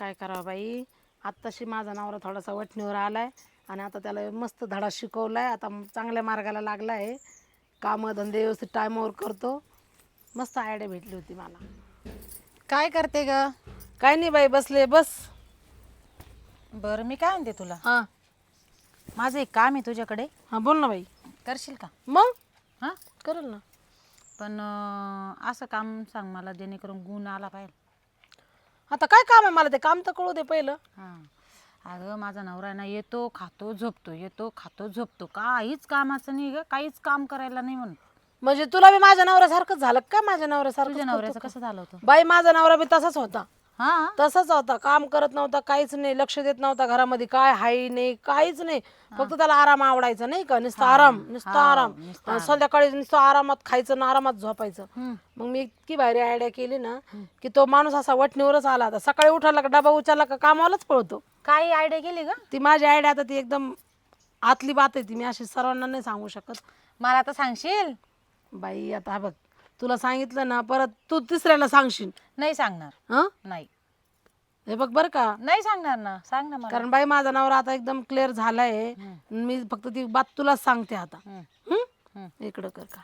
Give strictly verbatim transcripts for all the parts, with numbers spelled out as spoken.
काय करावं बाई. आत्ताशी माझा नवरा थोडासा वठणीवर आलाय आणि आता त्याला मस्त धडा शिकवलाय. आता चांगल्या मार्गाला लागला आहे. कामं धंदे व्यवस्थित टायमावर करतो. मस्त आयडिया भेटली होती मला. काय करते ग? काय नाही बाई, बसले बस. बरं मी काय म्हणते तुला, हां माझं एक काम आहे तुझ्याकडे, हां बोल ना बाई. करशील का? मग हां करेल ना. पण अं, असं काम सांग मला जेणेकरून गुण आला पाहिजे. आता काय काम आहे मला, ते काम तर कळू दे पहिलं. हां अगं माझा नवरा आहे ना, येतो खातो झोपतो, येतो खातो झोपतो, काहीच कामाचं नाही ग, काहीच काम करायला नाही म्हणून. म्हणजे तुला बी माझ्या नवऱ्यासारखंच झालं का? माझ्या नवऱ्यासारखं तुझ्या नवऱ्याचं कसं झालं होतं? बाई, माझा नवरा बी तसाच होता. हां तसाच होता. काम करत नव्हता, काहीच नाही, लक्ष देत नव्हता घरामध्ये, काय हाय नाही, काहीच नाही. फक्त त्याला आराम आवडायचा नाही का, नुसता आराम, नुसता आराम. अं, संध्याकाळी नुसतं आरामात खायचं ना आरामात झोपायचं. मग मी इतकी भारी आयडिया केली ना की तो माणूस असा वठणीवरच आला. आता सकाळी उठाला का डबा उचलला का कामालाच पळतो. काय आयडिया केली ग? ती माझी आयडिया आता ती एकदम आतली बात आहे ती, मी अशी सर्वांना नाही सांगू शकत. मला आता सांगशील? बाई आता हा बघ, तुला सांगितलं ना परत तू तिसऱ्याला सांगशील. नाही सांगणार. हं नाही हे बघ बरं का, नाही सांगणार ना, सांग ना मला. कारण बाई माझा नवरा आता एकदम क्लिअर झालाय. मी फक्त ती बात तुलाच सांगते आता. हम्म. हं? इकडं कर का.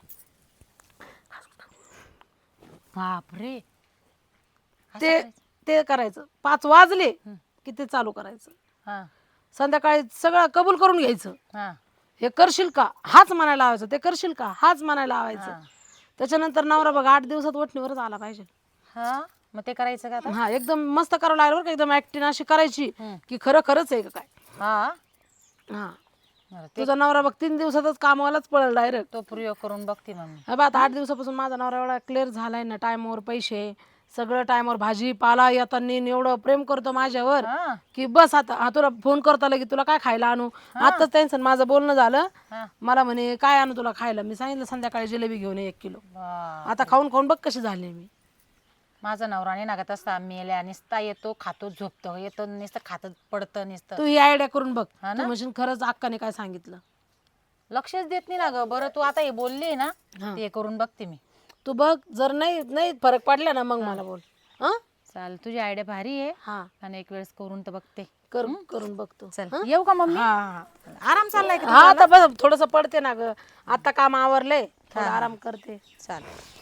बापरे, ते ते करायचं. पाच वाजले की ते चालू करायचं. हां संध्याकाळी सगळं कबूल करून घ्यायचं. हां हे करशील का, हाच म्हणायला लावायचं. ते करशील का, हाच म्हणायला लावायचं. त्याच्यानंतर नवरा बघ आठ दिवसात वठणीवरच आला पाहिजे. हां मग ते करायचं का आता? हा एकदम मस्त करावं लागलं बरं का. एकदम ऍक्टिंग अशी करायची की खरं खरंच आहे का काय. हां हा बरं, तुझा नवरा बघ तीन दिवसातच कामालाच पळेल डायरेक्ट. तो प्रयोग करून बघते मग मी. हा बा आता आठ दिवसापासून माझा नवरा एवढा क्लिअर झालाय ना, टायमावर पैसे, सगळं टायमावर, भाजी पाला येताना एवढं प्रेम करतो माझ्यावर हां की बस. आता हा तुला फोन करता की तुला काय खायला आणू. आताच त्यांचं माझं बोलणं झालं. हां मला म्हणे काय आणू तुला खायला. मी सांगितलं संध्याकाळी जिलेबी घेऊन ये एक किलो. वा. आता खाऊन खाऊन बघ कशी झाली मी. माझा नवरा नाही नागत असता, मेल्या निसता येतो खातो झोपतो, येतो नुसतं खातं पडतं नुसतं. तू ही आयडिया करून बघ. हा तू म्हणशील खरंच अक्काने काय सांगितलं. लक्षच देत नाही ना ग. बरं तू आता हे बोलली ना, ते करून बघते मी. तू बघ, जर नाही नाही फरक पडला ना मग मला बोल. हा चाल, तुझी आयडिया भारी आहे. हा आणि एक वेळेस करून तर बघते. कर करून बघतो. चल येऊ का मम्मी? हा आराम चाललाय का? हा आता बस थोडस पडते ना ग. आता काम आवरले, थोडा आराम करते. चाल.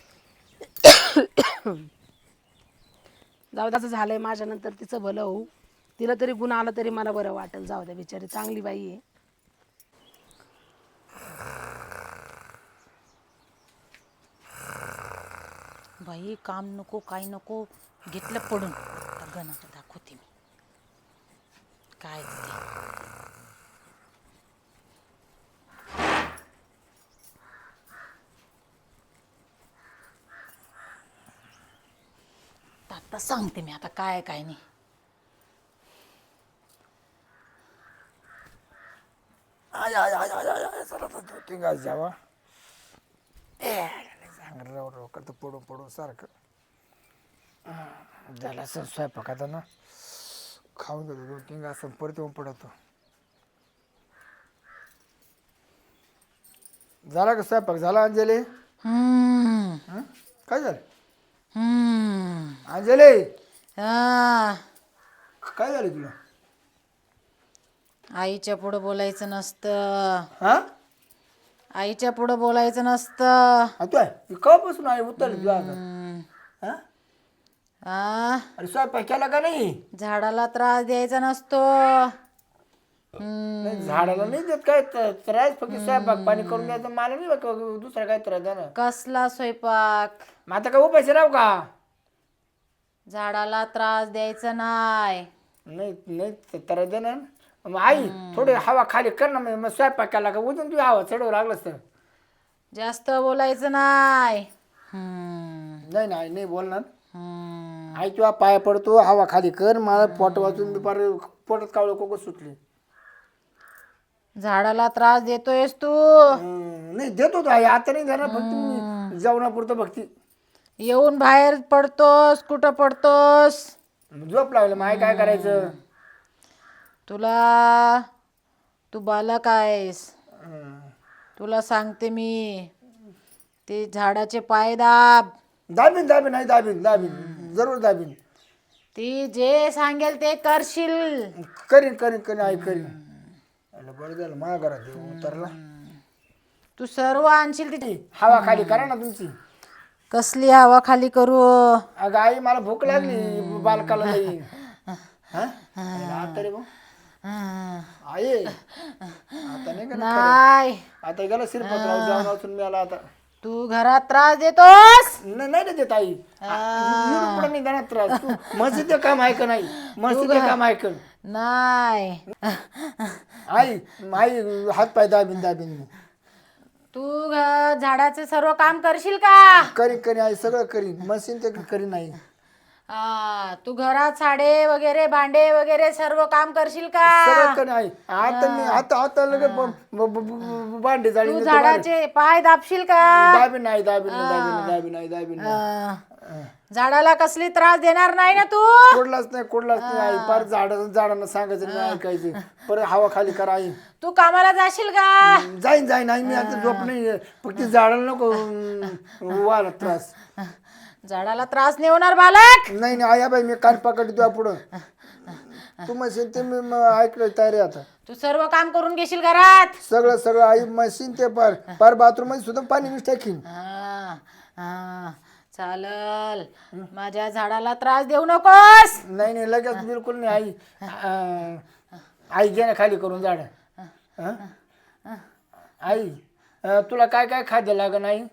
जाऊ द्याचं झालंय माझ्या नंतर तिचं भलं होऊ. तिला तरी गुण आला तरी मला बरं वाटेल. जाऊ द्या, बिचारी चांगली बाई आहे. बाई काम नको काही नको, घेतलं पडून. आता गणाचं दाखवते मी काय ते. आता सांगते मी आता काय काय नाही. आय आय आय आय आय आय चला तर जोटिंग आज जावा. सांग राव राव करतो पडून पडून सारखं. झाला असं स्वयंपाक आता ना, खाऊन घेतो जोटिंग असं परत येऊन पडतो. झाला का स्वयंपाक झाला अंजली? हम्म हं? काय झालं हम्म अंजली? आ, काय झालं तुला? आईच्या पुढं बोलायचं नसतं. हा आईच्या पुढं बोलायचं नसतं. तू आहे कवापासून आहे उतरली तुला आता? हम्म. हा? आ, अरे स्वयंपाक केला का नाही? झाडाला त्रास द्यायचा नसतो. हम्म. नाही झाडाला नाही देत काय त- त्रास, फक्त स्वयंपाक पाणी करून द्यायचं. मला नाही बघ दुसरा काय त्रास द्या ना. कसला स्वयंपाक? मग आता काय उपाशी राहू का? झाडाला त्रास द्यायचा नाही. नाही नाही ते त्रास दे ना. मग आई थोडी हवा खाली कर ना. मग मग स्वयंपाक केला का उजून तू हवा चढवू लागलंस तर. जास्त बोलायचं नाही. हम्म. नाही ना आई नाही बोलणार. हम्म. आई तुला पाया पडतो, हवा खाली कर. मला पोट वाचून दुपार पोटात कावळं कोकं सुटली. झाडाला त्रास देतोयस तू. हं, नाही देतो तो आई, आता नाही देणार. फक्त मी जेवणापुरतं भक्ती. येऊन बाहेर पडतोस, कुठं पडतोस? झोप लागलं मग आई काय करायचं? तुला, तू बालक आहेस. हं. तुला सांगते मी, ते झाडाचे पाय दाब. दाबीन दाबीन आई दाबीन दाबीन जरूर दाबीन. ती जे सांगेल ते करशील. करीन करीन करीन आई करीन. अरे बरं झालं माझ्या घरात देव उतरला. तू सर्व आणशील तिथे. हवा खाली करा ना तुमची. कसली हवा खाली करू? अगं आई मला भूक लागली बालकाला जाईल. आता रे भाऊ आई आता नाही का नाही, आता गेला शिरपतराव जाऊन वाचून मी आला आता. तू घरात त्रास देतोस. नाही नाही देत आई पुढे नाही देणार त्रास. तू मस्जिद काम आहे का नाही? मस्जिद काम आहे का नाही? आई आई हात पाय दाबीन दाबीन. तू घ- झाडाचे सर्व काम करशील का? करीन करीन आई सगळं करीन. मशीन ते करीन आई. हा, तू घरात साडे वगैरे भांडे वगैरे सर्व काम करशील का? सगळं करीन आई. आता मी आता आता लगे ब- ब- ब- ब- भांडी जाळी तू झाडाचे पाय दाबशील का? दाबीन नाही दाबीन नाही दाबीन दाबीन नाही दाबीन नाही. अं, झाडाला कसली त्रास देणार नाही ना तू? कोडलाच नाही कोडलाच नाही आई. पार झाड झाडांना सांगायचं नाही ऐकायचं. परत हवा खाली करा आई. तू कामाला जाशील का? जाईन जाईन आई. मी आता झोप नाही फक्त झाडाला नको वाला त्रास. झाडाला त्रास नाही होणार बालक. नाही नाही आया बाई मी कान पकडतो पुढं. तू मशीन ते मी म- ऐकलं तयारी आता. तू सर्व काम करून घेशील घरात. सगळं सगळं आई मशीन ते पार पार बाथरूम मध्ये सुद्धा पाणी मिस टाकीन. हा, हा, चालल. माझ्या झाडाला त्रास देऊ नकोस. नाही नाही लगेच बिलकुल नाही आई. अं, आई घे ना खाली करून झाड. हं? आई अं, तुला काय काय खाद्य लागन आई?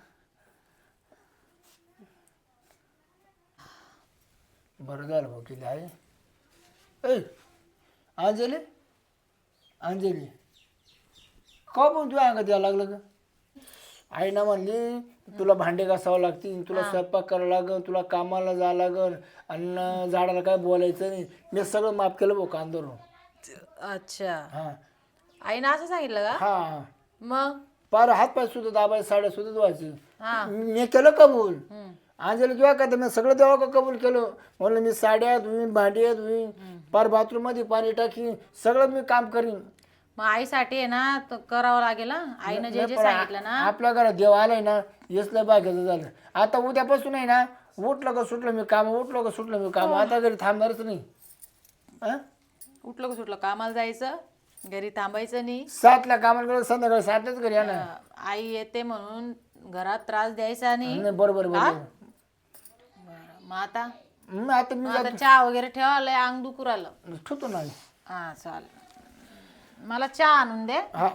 बरं झालं भाऊ किती आहे. ऐ अंजली अंजली का पण तुझ्या अंगात यायला लागलं का? आई ना म्हणली तुला भांडे घासावं लागतील, तुला स्वयंपाक करावं लागल, तुला कामाला जावं लागल आणि झाडाला काय बोलायचं नाही. मी सगळं माफ केलं भाऊ कांदोरून. अच्छा, हा आईनं असं सांगितलं का? हा हा. मग पार हात पाय सुद्धा दाबायचे साड्या सुद्धा धुवायचे. हा. मी केलं कबूल. अंजली तुला का मी सगळं देवा का कबूल केलं. म्हणलं मी साड्या धुईन भांडी धुईन पार बाथरूम मध्ये पाणी टाकीन सगळं मी काम करीन. मग आईसाठी आहे ना तर करावं लागेल ना. आईनं जे जे पण सांगितलं ना. आपल्या घरात देव आलाय ना यसलं भाग्याचं झालं. आता उद्यापासून आहे ना उठलं का सुटलं मी काम उठलं का सुटलं मी काम. आता घरी थांबणारच नाही. हं? उठलं का सुटलं कामाला जायचं, घरी थांबायचं नाही. सातला कामाला गेलं संध्याकाळी सातलाच घरी येणार. अं, आई येते म्हणून घरात त्रास द्यायचा नाही. नाही बरोबर बरोबर. बरं, मग आता मग आता मी मग आता चहा वगैरे ठेवा, लय अंग दुखू राहिलं. ठेवतो ना. हा चालेल. मला चहा आणून दे. हा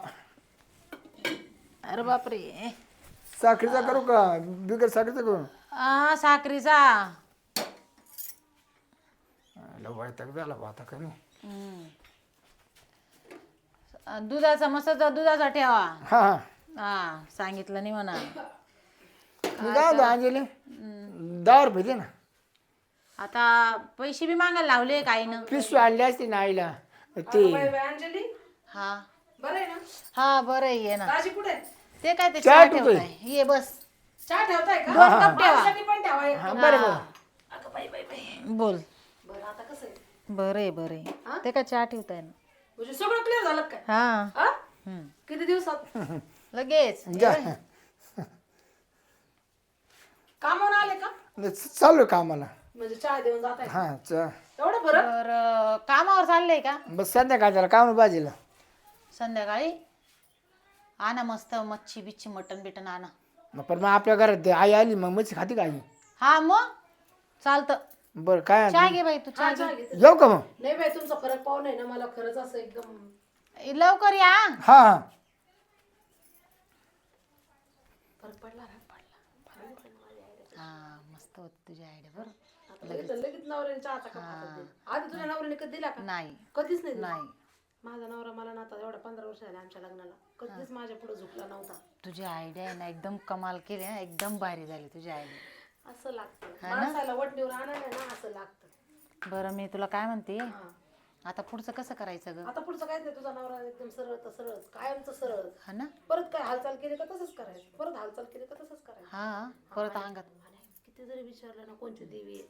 अरे बापरे. साखरेचा करू का बिगर साखरेचा करू? हा, साखरीचा. वैताग झाला बा आता काय नाही. हम्म. दुधाचा मसाचा दुधाचा ठेवा. हा हा हा, सांगितलं नाही म्हणा. मी काय होतो अंजली दहा रुपये दे ना. आता पैसे बी मागायला लावले काहीनं. पिशवी आणली असते ना आईला ते. अंजली हा बरं आहे ना? हा, बरं आहे, ये ना. दाजी कुठे? ते काय ते चहा चहा ठेवतोय. ठेवताय. ये बस. चहा ठेवताय का? दोन कप ठेवा. माझ्यासाठी पण ठेवा एक. हा बरं बरं. अगं बाई बाई बाई. बोल. बरं आता कसं आहे? बरं आहे, बरं आहे. ते काय चहा ठेवताय ना. म्हणजे सगळं क्लिअर झालं काय? हा. हा? हम्म. किती दिवसात? लगेच. जा. कामावर आले का? चालू कामाला. म्हणजे चहा देऊन जात आहे हा चा एवढं बरं. बरं, कामावर चाललंय का? बस संध्याकाळच्याला काम भाजीला. संध्याकाळी आणा मस्त मच्छी बिच्छी मटन बिटन आणा. मग पण मग आपल्या घरात ते आई आली मग मच्छी खाती का आई? हा, मग चालतं. बरं काय चहा घे बाई, तू चहा हा, घे. चहा घेते. येऊ का मग? नाही बाई तुमचा फरक पाहू नये ना मला खरंच असं एकदम लवकर या. हा हा फरक पडला ना पडला. हा, मस्त होत तुझी आयडिया. बरं, आता लगेच लगेच नवऱ्याने चहाचा कप हातात दिला. आधी तुझ्या नवऱ्याने कधी दिला का? नाही कधीच नाही दिला. नाही. माझा नवरा मला ना आता एवढ्या पंधरा वर्ष झाले आमच्या लग्नाला कधीच माझ्या पुढे झुकला नव्हता. तुझी आयडिया आहे ना एकदम कमाल केली हा, एकदम भारी झाली तुझी आयडिया. असं लागतं माणसाला वटणीवर आणायला ना असं लागतं. बरं, मी तुला काय म्हणते, हा. आता पुढचं कसं करायचं ग? आता पुढचं काहीच नाही. तुझा नवरा एकदम सरळ तर सरळच कायमचं सरळ. हा ना. परत काय हालचाल केली का तसंच करायचं. परत हालचाल केली का तसंच करायचं. हा, परत अंगात. आणि किती जरी विचारलं ना कोणती देवी आहे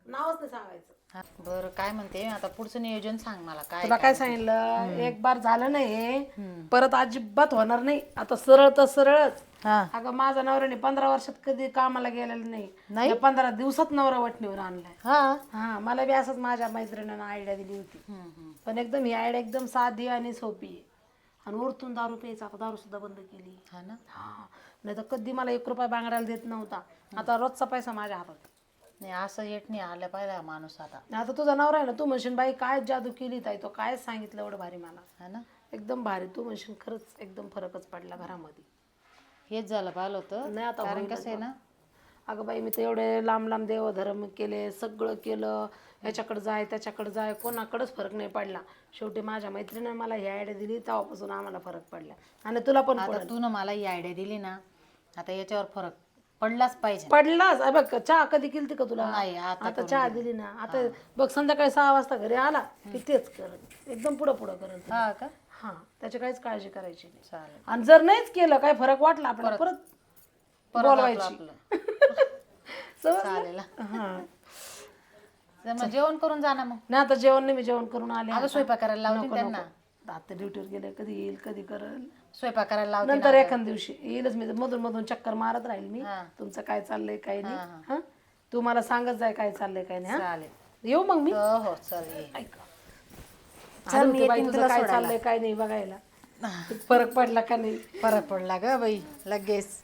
नावच नाही सांगायचं. हा, बरं काय म्हणते आता पुढचं नियोजन सांग मला काय तुला काय सांगितलं, एक बार झालं नाही परत अजिबात होणार नाही. आता सरळ तर सरळच. हा अगं माझा नवऱ्याने पंधरा वर्षात कधी कामाला गेलेलं नाही, या पंधरा दिवसात नवरा वटणीवर आणलाय. हा हा मला बी असंच माझ्या मैत्रिणीनं आयडिया दिली होती, पण एकदम ही आयडिया एकदम साधी आणि सोपी आहे. आणि वरतून दारू प्यायचा, आता दारू सुद्धा बंद केली. हा ना हा नाही तर कधी मला एक रुपया बांगडायला देत नव्हता, आता रोजचा पैसा माझ्या हातात. नाही असं येत नाही आलं पाहिजे हा माणूस आता. आता तुझा नवरा आहे ना, तू म्हणशील बाई काय जादू केली ताई, तो काय सांगितलं एवढं भारी मला. हा ना एकदम भारी. तू म्हणशील खरंच एकदम फरकच पडला घरामध्ये. हेच झालं पाहिलं होतं नाही आता कारण होईलच कसं आहे ना अगं बाई मी तर एवढे लांब लांब देवधर्म केले, सगळं केलं, याच्याकडे जाय त्याच्याकडे जाय, कोणाकडेच फरक नाही पडला. शेवटी माझ्या मैत्रिणीने मला ही आयडिया दिली, तेव्हापासून आम्हाला फरक पडला. आणि तुला पण आता तू ना मला ही आयडिया दिली ना, आता याच्यावर फरक पडलाच पाहिजे. पडलाच. अ बघ चहा कधी केली का तुला? नाही, आता आता चहा दिली ना, आता बघ संध्याकाळी सहा वाजता घरी आला की तेच करत, एकदम पुढं पुढं करत. हा का हा त्याची काहीच काळजी करायची नाही. चालेल. आणि जर नाहीच केलं काय फरक वाटला आपल्याला परत परत बोलवायची. आपलं समजलं? चालेल हा तर मग जेवण करून जा ना मग. नाही आता जेवण नाही, मी जेवण करून आले. अगं स्वयंपाक करायला लावते नको, त्यांना. नको. आता ड्युटीवर गेले, कधी येईल कधी करल. स्वयंपाक करायला लावते नंतर एखाद दिवशी येईलच मी, मधून मधून चक्कर मारत राहील मी, हा. तुमचं काय चाललंय काय नाही. हा तू मला सांगत जाय काय चाललंय काय नाही. हा चालेल. येऊ मग मी. हो हो चल ये. ऐका चल, मी बाई येते तुझं तुला काय सोडायला. चाललंय काय नाही बघायला, फरक पडला का नाही. फरक पडला ग बाई लगेच.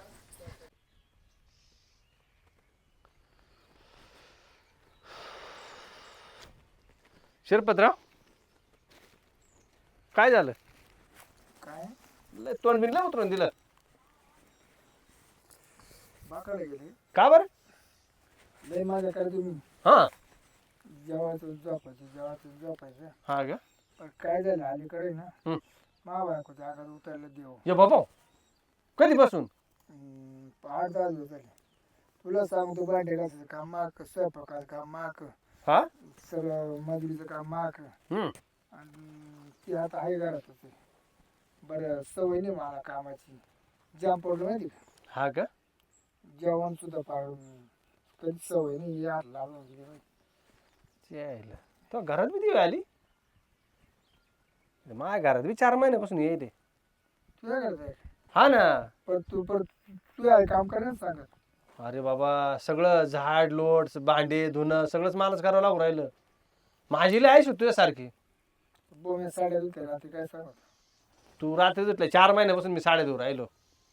शिरपतराव काय झालं? काय लय तोंड बिनला उतरून दिलं बाकडे गेले का बरं? लय माझ्याकडे तुम्ही हा जेवायचं झोपायचं जेवायचं झोपायचं. हा का पण काय झालं अलीकडे ना, हं. मा बायको जागा उतरलं देव. ये बाबा कधीपासून? हम्म, आठ दहा दिवस झाले. तुला सांगतो भांडे घासायचं काम माक, स्वयंपाकाचं काम माक, हा सगळं मजुरीचं काम माक. हम्म आणि ती आता आहे घरातच आहे. बरं सवय नाही मला कामाची, जाम पडलं माहिती का. हा का जेवण सुद्धा पाडून कधी सवय नाही, यार लावून गेली माहिती. यायला तो घरात बी दिवी आली. माझ्या घरात बी चार महिन्यापासून येईल. तुझ्या घरात आहे हा ना. पण तू परत तू आहे काम करायला सांगत. अरे बाबा सगळं झाड लोट भांडे धुणं सगळंच मलाच करावं लागू राहिलं. माझी लय आहेस तुझ्यासारखी. बोम्या साड्या धुते राहते काय सांगत. तू रात्री धुतल्या चार महिन्यापासून मी साडे धुवून राहिलो.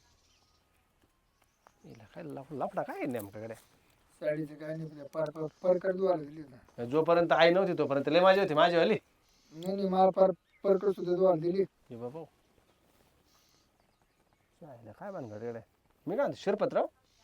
हिला काय लफ- लफडा काय आहे नेमकाकडे? साडीचं काय नाही, पर पर परकर धुवायला दिली ना. जोपर्यंत आई नव्हती तोपर्यंत लय माझी होती माझीवाली. नाही नाही मला पर परकर सुद्धा धुवायला दिली. ये बाबा काय काय भानगड येडे. मी काय म्हणतो शिरपतराव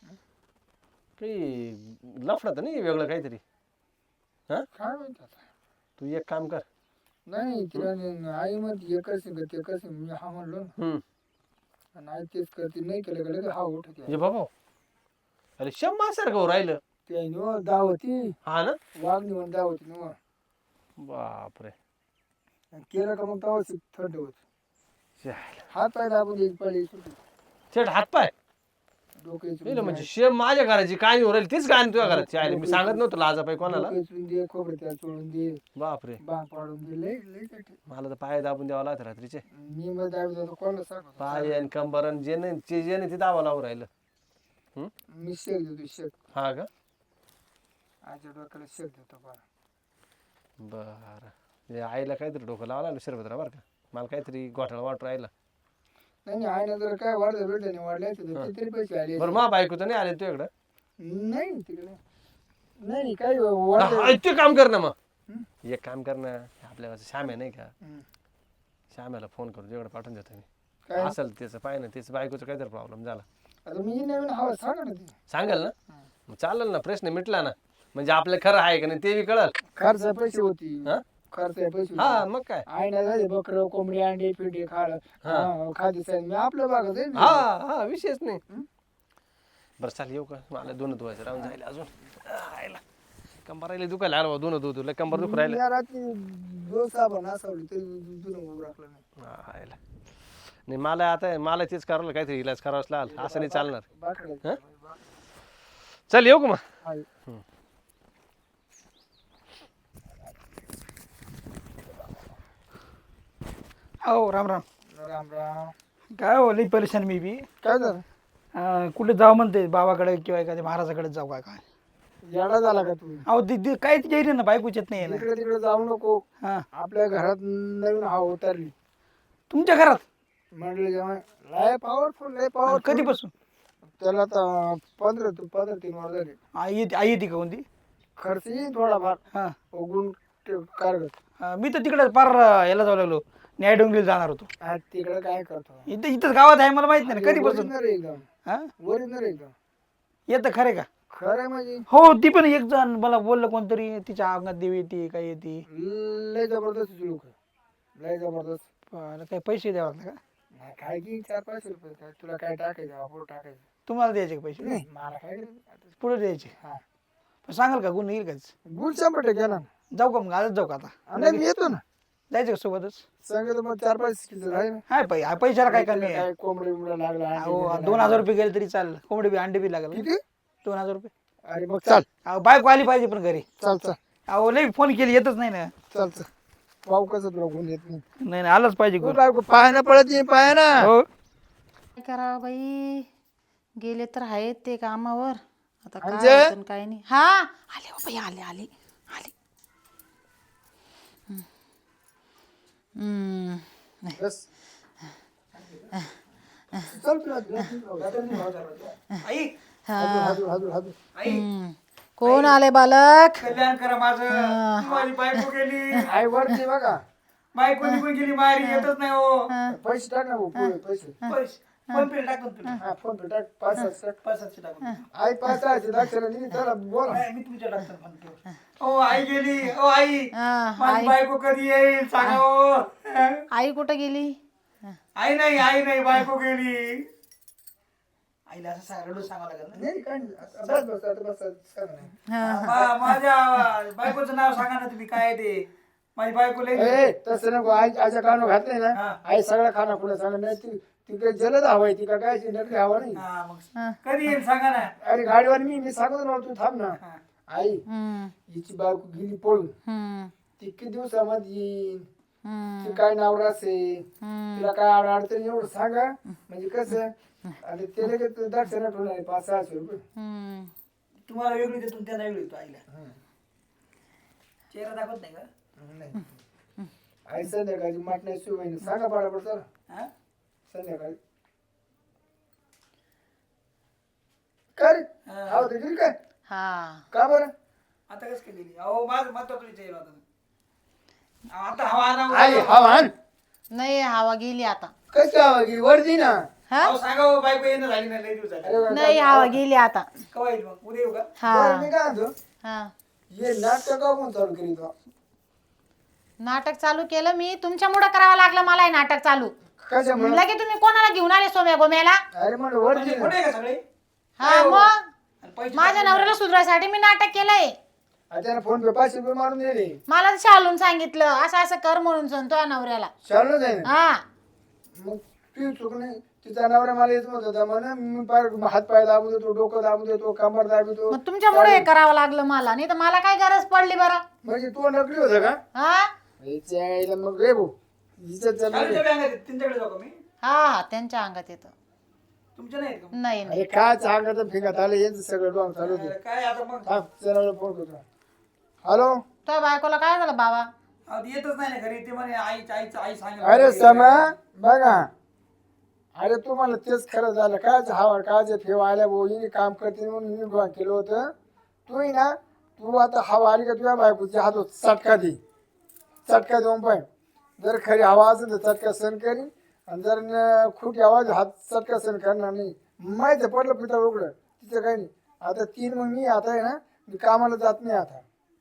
काही लफडा तर नाही वेगळं काहीतरी? हा काय माहित आता. तू एक काम कर. नाही तिला नाही- आई मध्ये एकच सिंग ते एकच सिंग मी हा म्हणलो ना, हम्म आणि आई तेच करते. नाही केलं का लगेच हा उठत ये बाबा अरे शम्मा सारखं हो राहिलं. ते निवड दावती हा ना. वागणी म्हणून दावती निवड. बापरे आणि केलं का मग तवाच थंड होत. जायला. हात पाय दाबून एक पळी सुटली थेट हातपाय डोके नाही म्हणजे शेम माझ्या घराची काय हो राहिली तीच गाणी तुझ्या घराची आहे. मी सांगत नव्हतं लाजापाई कोणाला. दे खोबरे त्याला चोळून दे, बापरे बांग पाडून दे. लय लय कठीण. मला तर पाय दाबून द्यावा लागत रात्रीचे. मी मग दाबी जातो कोणाला सांगतो. पाय आणि कंबर आणि जे नाही जे जे नाही ते दावा लावून राहिलं. हम्म मी शेक देतो शेक. हा का आजच्या डोक्याला शेक देतो बरं. बरं म्हणजे आईला काहीतरी डोकं लावा लागलं शिरपतराव बरं का. मला काहीतरी घोटाळा वाट राहिला. नाही नाही आहे ना, जर काय वाढलं भेटलं नाही वाढले तर किती पैसे आले. बरं मा बायको तर नाही आले तुझ्याकडं? नाही तिकडे नाही नाही काही वाढलं. हा, ते काम कर ना मग. एक काम कर ना आपल्या श्याम्या नाही का, हम्म. श्याम्याला फोन करून तुझ्याकडे पाठवून देतो मी. काय असेल त्याचं पाय ना त्याचं बायकोचं काहीतरी प्रॉब्लेम झाला आता मी नवीन हवा सांगा ना ती. सांगाल ना. मग चालेल ना प्रश्न मिटला ना. म्हणजे आपलं खरं आहे का नाही ते बी कळल. खर्च पैसे होती. हा? खर्च पैसे होती. हा मग काय. आई ना झाले बकर कोंबडी अंडे पिंडे खाड खादी साहेब मी आपलं बागत आहे ना. हा हा विषयच नाही. बरं चाल येऊ का मला दोन धुवायचं राहून जाईल अजून. आयला कंबर राहिले दुखायला आलं दोन धुवतो लय कंबर दुख राहिलं. या रात्री दोन साबण असावली तरी दुरून उभं राखलं नाही. आयला नाही मला आता मला तेच करावं काहीतरी इलाज करावाच लागल. असं नाही चालणार. बाकडे चल येऊ का मग. आहे. हो राम राम. राम राम. काय हो लई परेशान मी बी. काय झालं? अं, कुठे जाऊ म्हणते बाबाकडे किंवा एखाद्या महाराजाकडे जाऊ काय काय. येडा झाला का तू? अहो दिदी काहीच गेली ना बायकोच येत नाही ना. इकडे तिकडे जाऊ नको. हा आपल्या घरात नवीन हवा उतरली. तुमच्या घरात म्हणले जेव्हा लय पॉवरफुल लय अं, पॉवरफुल. कधीपासून त्याला तर पंधरा तू पंधरा तीन वर झाले. आई येते आई येते का कोणती. खर्च येईल थोडाफार हा उगून कारगत. अं, मी तर तिकडे पार अं, याला जाऊ लागलो न्याय डोंगरीला जाणार होतो. आज तिकडे काय करतो? इथं इथंच गावात आहे मला माहित नाही ना कधीपासून. ओरिजिनल एकदम हा ओरिजिनल एकदम येतं खरे का. खरं म्हणजे हो ती पण एक जण मला बोललं कोणतरी तिच्या अंगात देवी येते काय येते. लय जबरदस्त लोक लय जबरदस्त. पण काही पैसे द्यावं लागतं का. नाही काय की चार पाचशे रुपये काय तुला काय टाकायचं अपुरं टाकायचं. तुम्हाला द्यायचे का पैसे. नाही मला काय करायचं? पुढे द्यायचे. हा पण सांगाल का गुण येईल काच. गुल शंभर टक्के ना. जाऊ का मग आजच जाऊ का आता. नाही मी येतो ना जायचं का सोबतच. सांगितलं मग चार पाच किलो आहे ना. हाय पै पैशाला काय कमी आहे. काय कोंबडी बिंबड्या लागला अंडे अहो बिंडे दोन हजार रुपये गेले तरी चालेल कोंबडी बी अंडे बी लागेल. लागले. किती? दोन हजार रुपये. अरे मग चाल अहो बायको आली पाहिजे पण घरी. चाल चाल अहो लई फोन केली येतच नाही ना. चाल चाल पाहू कसं तुला गुण येत नाही. नाही नाही आलंच पाहिजे तू गुण. काय पायानं पडत नाही पायानं. हो काय करावं बाई, गेले तर आहेत ते कामावर. आता काय अंजे? होतं न काय नाही. हा आले हो बाई आले आले आले. हम्म. हम्म. बस चल तुला आई हाजू हाजू हाजू. आई हम्म. कोण आले बालक. कल्याण करा माझं. माझी बायको गेली. आई वरती बघा बायको निघून गेली मारी येतच नाही हो. पैसे टाक ना भाऊ, पुढे पैसे. पैसे फोन पे टाकतो तुला. हा फोन पे टाक पाच सात टाक. पाच सातशे टाकून. आई पाच सहाशे दाखवलं नाही त्याला बोला. नाही, मी तुमच्या टाकतो फोन पे. ओ आई गेली. ओ आई हा, माझी बायको कधी येईल सांगा ओ. आई कुठं गेली. आई नाही आई नाही बायको गेली. आईला असं सांग रडू सांगावं लागेल ना. नाही काय नाही. बस बस आता बस सांग ना. मा- माझ्या बायकोचं नाव सांगा ना तुम्ही काय आहे ते. माझी बायको लई ए तसं नको. आई आईच्या कानावर घातलंय ना हा. आई सगळं खाना पुढे सांग नाही ती तिकडे जलद हवाय ती का काय नकली हवा नाही. हा, मग कधी येईल सांगा ना. अरे गाडीवर मी मी सांगतो ना तू थांब ना. आई हम्म. हिची बायको गेली पळून. हम्म. ती किती दिवसामध्ये येईल. हम्म. ती काय नाव असेल हम्म. तिला काय अड- अडचण एवढं सांगा म्हणजे कसं. आणि ते लगेच दक्षिणा ठेवून आहे पाच सहाशे रुपये. हम्म. तुम्हाला वेगळी देतो त्यांना वेगळी देतो आईला. चेहरा दाखवत नाही का. नाही आई संध्याकाळची माटण्या शिवाय सांगा पाडा चला हा? संध्याकाळी काय रे हा. आहो ते गेली काय हा का बरं. आता कसं केलेली अहो माझं महत्वाचं विचार होता. आता हवा आला आई हवा आण. नाही हवा गेली आता. कशी हवा गेली वरती ना. हा अहो सांगा हो बायको येणं झाली नाही लई दिवस झाले. अरे वा, नाही हवा गेली आता. केव्हा येईल मग उद्या येऊ का. बरं, मी हा काय म्हणतो हा हे नाटक का कोण चालू केली तो. नाटक चालू केलं मी. तुमच्यामुळं करावं लागलं मला हे नाटक चालू. कशामुळे. लगे तुम्ही कोणाला घेऊन आले सोम्या गोम्याला. अरे म्हणलं वरती म्हणजे ना. कुठे आहे का सगळे. हा मग आणि पैसे माझ्या नवऱ्याला सुधरायसाठी मी नाटक केलंय. आणि त्यानं फोन पे पाचशे रुपये मारून दिले. मला शालून सांगितलं असं असं कर म्हणून सांगतो या नवऱ्याला. चालू जाय ना. हा मग ती चूक नाही. तिचा नवरा मला येत म्हणत होता म्हणा मी पाय हात पाय दाबू देतो डोकं दाबू देतो कमर दाबतो. मग तुमच्यामुळे हे करावं लागलं मला. नाही तर मला काय गरज पडली बरं. म्हणजे तू नकली होतं का. हा हिच्या आईला मग रे भाऊ हिच्यात जमलं शाळेच्या नाही. बँक आहेत, त्यांच्याकडे जाऊ का मी. हा हा त्यांच्या अंगात येतं. तुमच्या नाही आहेत का. नाही नाही अरे काय सांगत फिंगात आलं यांचं सगळं डोंग चालू होते. अरे काय आता मग. थांब चला फोन करतो. हॅलो तुझ्या बायकोला काय झालं बाबा. अहो, ती येतच नाही ना घरी. ते म्हणे आई आई आई सांगेल. अरे समा बघा. अरे तुम्हाला तेच खरं झालं काय हवा काय ठेव आल्या भाऊ हिने काम करते म्हणून हिने डोंग केलं होतं. तू ना तू आता हवा आली का तुझ्या बायकोच्या हातात चटका दे. चटका देऊन पाय. जर खरी हवा असेल तर चटका सहन करीन आणि जर न- खोटी आवाज हात चटका सहन करणार नाही. माहिती पडलं पिता उघडं तिचं काही नाही. आता तीन मग मी आता आहे ना मी कामाला जात नाही आता.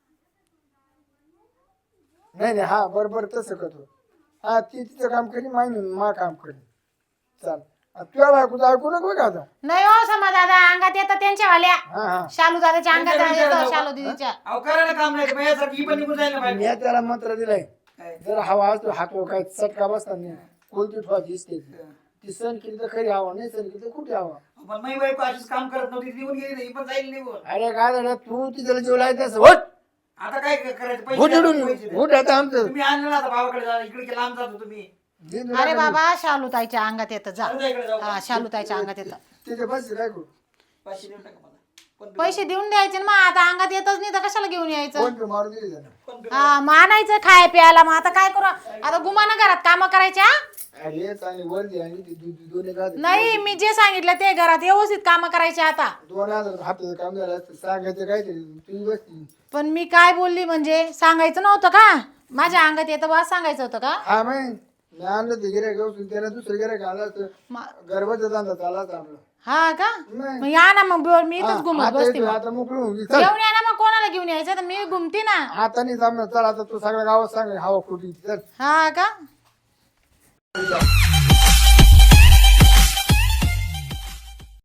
नाही नाही हा बरोबर तसं करतो. हा ती तिचं काम करी माय मी मा काम करी. चाल तुझ्या बायकोचं ऐकू नको का आता. नाही हो समा दादा अंगात येतं त्यांच्या वाल्या. हा हा शालू दादाच्या अंगात त्यांच्या येतं विचारात शालू दिदीच्या. अहो करा ना काम नाही. माझ्यासारखी ही पण निघून जाईल ना मी बायको. त्याला मंत्र दिलाय. काय? जर हवा असतो हाकलो काय चटका बसतात नाही. कोणती ठेवायची दिसते ती सण केली तर खरी हवा नाही सण केली तर कुठे हवा. पण माझी बायको अशीच काम करत नव्हती. ती निघून गेली नाही. ही पण जाईल निघून. अरे काय झालं तू तिथं जीव लायचं होत. आता काय करायचं. घुट पैसे उडून पैसे द्या. घुट आता आमचं. तुम्ही आणलं ना आता भावाकडे जा. इकडे लांब जातो तुम्ही. दिन अरे बाबा शालूताईच्या अंगात येतं जा जाऊ दे इकडे जाऊ. हा शालूताईच्या अंगात येतं तिथे बस काय करू पाचशे देऊन टाका मला. पण पैसे देऊन द्यायचे ना मग आता अंगात येतच नाही तर कशाला घेऊन यायचं फोन पे मारून दिली त्यांना हा मग आणायचं खाय प्यायला मग आता काय करू आता गुमाना घरात काम करायच्या अरे चांगली वरती आणि ती दो- दो- दोन एक हात- नाही मी जे सांगितलं ते घरात व्यवस्थित काम करायचे आता दोन हजार हाताचं काम झालं असतं सांगायचं काय तरी तुम्ही बसती पण मी काय बोलली म्हणजे सांगायचं नव्हतं का माझ्या अंगात येतं बा सांगायचं होतं का हा मग मी आणलं ते गिऱ्हाईक घेऊन त्याला दुसरं गिऱ्हाईक आलं असतं मा- गरबाचा धंदा चालला होता आपला हा का नाही. मग या ना मग बोल, मी हा, इथंच घुमत आता बसते येतोय, मग. आता मोकळी होऊन गेली. चल घेऊन या ना मग कोणाला घेऊन यायचं तर मी घुमते ना आता नाही जमणार चल आता तू सगळ्या गावात सांग हवा खोटी चल हा का